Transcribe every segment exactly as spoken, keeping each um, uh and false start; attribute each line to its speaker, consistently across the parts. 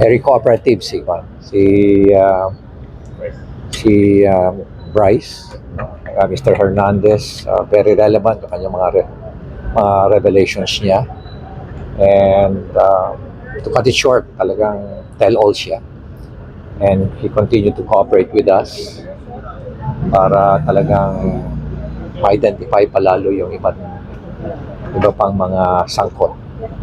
Speaker 1: Very cooperative si Juan. Si uh, si uh, Bryce, uh, mister Hernandez, uh, very relevant yung kanyang mga re- mga revelations niya. And uh, to cut it short, talagang tell-all siya. And he continued to cooperate with us para talagang ma-identify palalo yung iba't iba pang mga sangkot.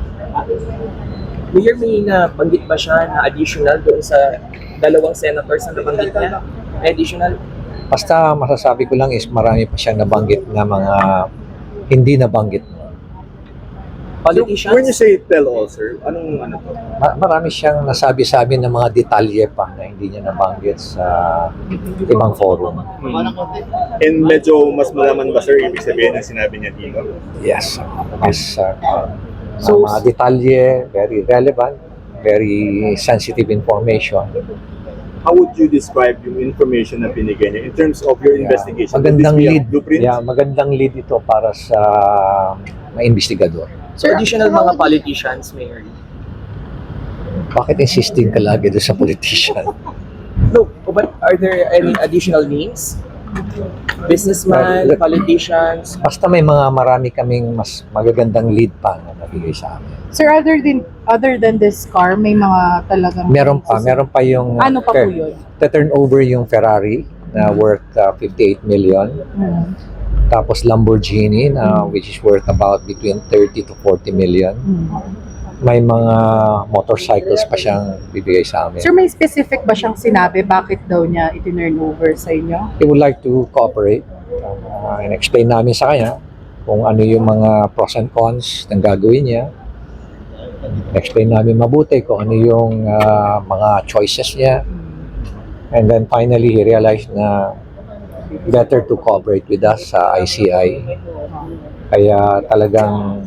Speaker 2: Mayor, may nabanggit ba siya na additional doon sa dalawang senators na nabanggit niya? May additional?
Speaker 1: Basta masasabi ko lang is marami pa siyang nabanggit na mga hindi nabanggit.
Speaker 2: Politicians?
Speaker 3: When you say tell all, sir, anong ano to?
Speaker 1: Ma- marami siyang nasabi-sabi ng mga detalye pa na hindi niya nabanggit sa ibang forum.
Speaker 3: And medyo mas malaman ba, sir, ibig sabihin ng sinabi niya dito?
Speaker 1: Yes. Mas uh,
Speaker 2: So-
Speaker 1: mga detalye, very relevant, very sensitive information.
Speaker 3: How would you describe yung information na binigay niya in terms of your
Speaker 1: Yeah.
Speaker 3: investigation?
Speaker 1: Magandang
Speaker 3: Would this be a
Speaker 1: lead.
Speaker 3: blueprint?
Speaker 1: Yeah, magandang lead ito para sa mga investigador.
Speaker 2: So additional mga politicians, Mayor?
Speaker 1: Bakit insisting ka lagi doon sa politician?
Speaker 2: No, but are there any additional names? Businessman,
Speaker 1: Uh,
Speaker 2: politicians?
Speaker 1: Basta may mga marami kaming mas magagandang lead pa na nabigay sa amin.
Speaker 4: Sir, other than other than this car, may mga talagang...
Speaker 1: Meron pa, meron pa yung
Speaker 4: Ano pa po yun?
Speaker 1: turn over yung Ferrari na worth uh, fifty-eight million.
Speaker 4: Hmm.
Speaker 1: Tapos Lamborghini na which is worth about between thirty to forty million.
Speaker 4: Hmm.
Speaker 1: May mga motorcycles pa siyang bibigay sa amin.
Speaker 4: Sir, may specific ba siyang sinabi bakit daw niya itinurn over sa inyo?
Speaker 1: He would like to cooperate. Uh, and explain namin sa kanya kung ano yung mga pros and cons ng gagawin niya. Explain namin mabuti kung ano yung uh, mga choices niya. And then finally, he realized na better to cooperate with us sa I C I. Kaya talagang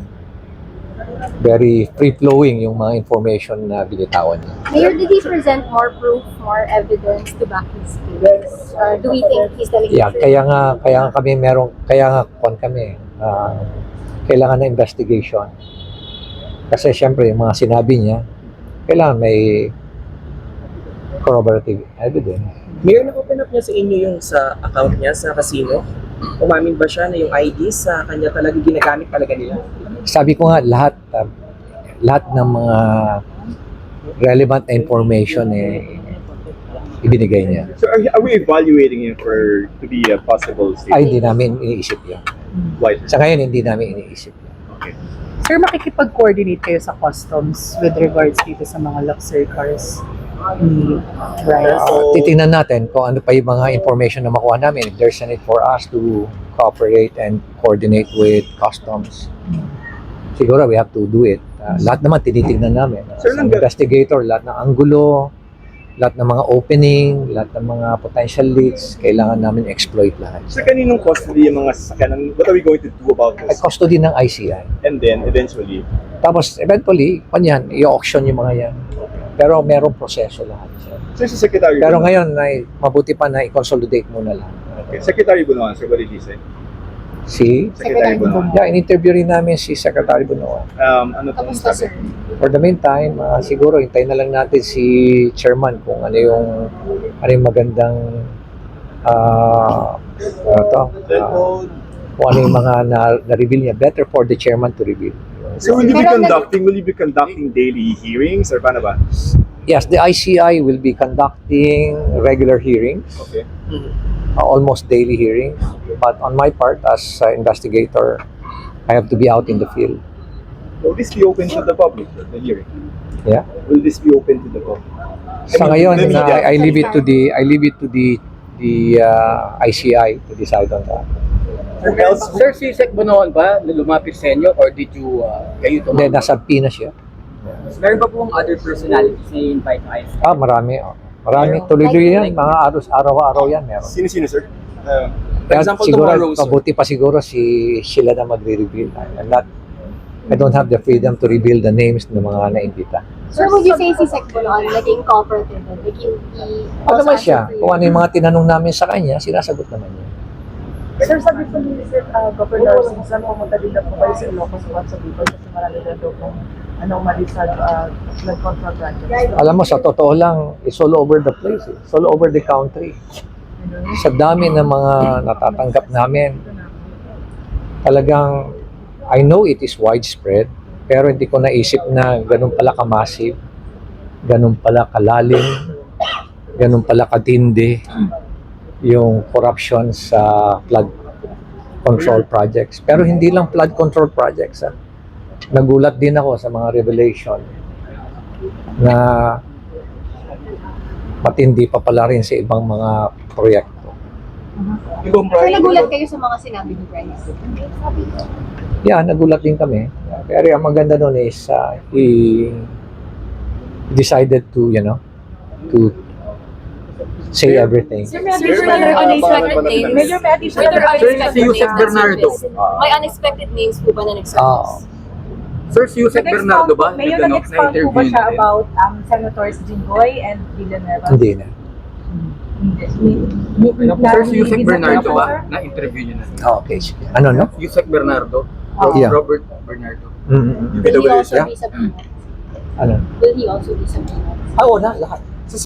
Speaker 1: very free-flowing yung mga information na binitawan niya.
Speaker 5: Mayor, did he present more proof, more evidence to back his case? Uh, do we think he's telling
Speaker 1: Yeah,
Speaker 5: the truth?
Speaker 1: kaya nga kaya nga kami merong kaya nga kon kami ah, kailangan ng investigation. Kasi syempre yung mga sinabi niya kailangan may corroborative evidence.
Speaker 2: Mayor, na-open up niya sa inyo yung sa account niya sa casino? Umamin ba siya na yung I D sa kanya talaga ginagamit talaga nila?
Speaker 1: Sabi ko nga lahat ah, lahat ng mga relevant na information eh ibinigay niya.
Speaker 3: So are, are we evaluating him for to be a possible state?
Speaker 1: Ay, hindi namin iniisip yun.
Speaker 3: Why?
Speaker 1: Sa ngayon, hindi namin iniisip yun.
Speaker 3: Okay.
Speaker 4: Sir, makikipag-coordinate kayo sa customs with regards dito sa mga luxury cars ni Bryce?
Speaker 1: Uh, titingnan natin kung ano pa yung mga information na makuha namin. If there's a need for us to cooperate and coordinate with customs, siguro we have to do it. Uh, lahat naman tinitingnan namin. Uh,
Speaker 3: Sir,
Speaker 1: sa
Speaker 3: nangga-
Speaker 1: investigator, lahat ng anggulo, lahat ng mga opening, lahat ng mga potential leads, kailangan namin exploit lahat.
Speaker 3: So kaninong custody yung mga sasakyan? What are we going to do about
Speaker 1: Ay
Speaker 3: this?
Speaker 1: custody ng I C I.
Speaker 3: And then eventually,
Speaker 1: Tapos eventually, kanyan, i-auction yung mga yan. Pero merong proseso lahat.
Speaker 3: Sir, si Secretary
Speaker 1: Pero
Speaker 3: Bunoan-
Speaker 1: ngayon, ay, mabuti pa na i-consolidate muna lahat.
Speaker 3: Okay. Secretary Bunoan, sir, what did he say?
Speaker 1: Si,
Speaker 3: Secretary Bunoan.
Speaker 1: yeah, in-interview rin namin si Secretary Bunoan.
Speaker 3: Um, ano to?
Speaker 5: Kamusta, sir?
Speaker 1: For the meantime, ah, siguro hintayin na lang natin si Chairman kung ano yung ano yung magandang ah ano to, ah, kung ano yung mga na, na-reveal niya. Better for the Chairman to reveal.
Speaker 3: So will you be
Speaker 5: Pero nag-
Speaker 3: conducting, will you be conducting daily hearings or paano ba?
Speaker 1: Yes, the I C I will be conducting regular hearings,
Speaker 3: Okay.
Speaker 1: uh, almost daily hearings. But on my part, as uh, investigator, I have to be out in the field.
Speaker 3: Will this be open to the public, the hearing?
Speaker 1: Yeah.
Speaker 3: Will this be open to the public?
Speaker 1: Sa
Speaker 3: I mean,
Speaker 1: ngayon,
Speaker 3: the
Speaker 1: na,
Speaker 3: media.
Speaker 1: I leave it to the I leave it to the the uh, I C I to decide on that.
Speaker 3: Who else?
Speaker 6: Sir, si Sec Bonoan ba lumapit sa inyo or did you, uh, kayo
Speaker 1: Hindi,
Speaker 6: tumawag?
Speaker 1: nasa P na siya.
Speaker 6: Meron ba pong other personalities na invite na I C I?
Speaker 1: Ah, marami. Oh. Marami. Tuloy-tuloy yan. Mga aros, araw-araw yan meron.
Speaker 3: Sino-sino, sir? Uh,
Speaker 2: For
Speaker 1: Kaya
Speaker 2: example,
Speaker 1: siguro,
Speaker 2: tomorrow, sir.
Speaker 1: mabuti pa siguro si sila na magre-reveal. I'm not, I don't have the freedom to reveal the names ng mga na-invita.
Speaker 5: Sir, would you say si Sec Bulon naging cooperative? Like, he, he
Speaker 1: Ano
Speaker 5: also
Speaker 1: naman siya?
Speaker 5: answered for you?
Speaker 1: Kung ano yung mga tinanong namin sa kanya, sinasagot naman niya.
Speaker 7: Sir, sabi po ni Sir uh, Governor Susan, pumunta din na po kayo sa Ilocos once a week kasi marami na daw pong anomaly sa uh, flood control projects.
Speaker 1: Alam mo, sa totoo lang, it's all over the place. eh. It's all over the country. Sa dami ng mga natatanggap namin, talagang, I know it is widespread, pero hindi ko naisip na ganun pala ka-massive, ganun pala kalalim, ganun pala katindi yung corruption sa flood control projects. Pero hindi lang flood control projects. ah. Nagulat din ako sa mga revelation na matindi pa pala rin sa ibang mga proyekto.
Speaker 5: So, nagulat kayo sa mga sinabi ni Bryce?
Speaker 1: Yeah, nagulat din kami. Pero ang maganda nun is uh, he decided to, you know, to say everything.
Speaker 7: Sir,
Speaker 8: Sir, were there unexpected names?
Speaker 7: Major Matty,
Speaker 8: Were there
Speaker 7: sir,
Speaker 8: unexpected
Speaker 6: si Yusek
Speaker 8: names na
Speaker 6: Bernardo.
Speaker 8: surfaced? May unexpected names po ba na
Speaker 1: Oo.
Speaker 8: nag-surface?
Speaker 6: Sir, si Yusek Bernardo ba?
Speaker 7: May
Speaker 6: Nag- ano,
Speaker 7: nag-expound po ba
Speaker 6: na-interview
Speaker 7: siya
Speaker 6: natin?
Speaker 7: about um, Senators Jinggoy and Villanueva?
Speaker 1: Hindi na.
Speaker 6: Ano po, sir, si Yusek Bernardo ba? Na-interview niyo na.
Speaker 1: Ah, okay, sige. Ano, no?
Speaker 6: Yusek Bernardo.
Speaker 7: Oh.
Speaker 1: Yeah.
Speaker 6: Robert Bernardo.
Speaker 1: Mm-mm.
Speaker 5: Will he also
Speaker 1: Yeah.
Speaker 5: be subpoenaed?
Speaker 1: Ano?
Speaker 5: Will he also be subpoenaed?
Speaker 1: Ah, oo na, lahat.